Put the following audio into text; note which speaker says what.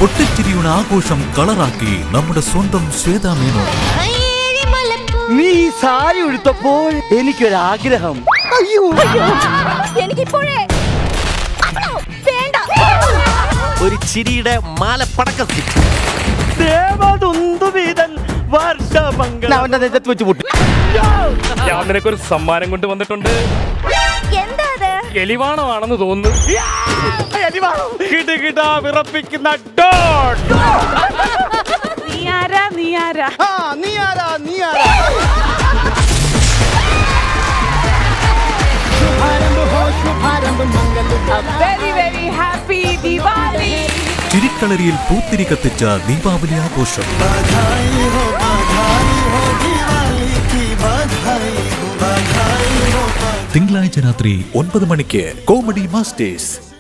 Speaker 1: പൊട്ടിച്ചിരിയുടെ ആഘോഷം കളറാക്കി നമ്മുടെ സ്വന്തം ശ്വേതാ മേനോൻ.
Speaker 2: നീ ഈ സാരി ഉടുത്തപ്പോൾ എനിക്കൊരാഗ്രഹം. അയ്യോ
Speaker 3: എനിക്കിപ്പോഴേ വേണ്ട.
Speaker 4: ഒരു ചിരിയുടെ മാലപ്പടക്കം.
Speaker 2: ദേവദുന്ദുവിതൻ വർഷമംഗളം അവന്റെ നെഞ്ചത്ത് വെച്ച് പൊട്ടി.
Speaker 5: ഞാൻ നിനക്കൊരു സമ്മാനം കൊണ്ട് വന്നിട്ടുണ്ട്.
Speaker 3: എന്താ അത്?
Speaker 5: എലിവാണമാണെന്ന് തോന്നുന്നു.
Speaker 2: കിടുകിടാ വിറപ്പിക്കുന്ന ഡോൺ.
Speaker 3: നീ ആരാ?
Speaker 2: നീ ആരാ?
Speaker 3: Very very happy Diwali.
Speaker 1: ചിരിക്കളരിയിൽ പൂത്തിരി കത്തിച്ച ദീപാവലി ആഘോഷം. തിങ്കളാഴ്ച രാത്രി 9 മണിക്ക് കോമഡി മാസ്റ്റേഴ്സ്.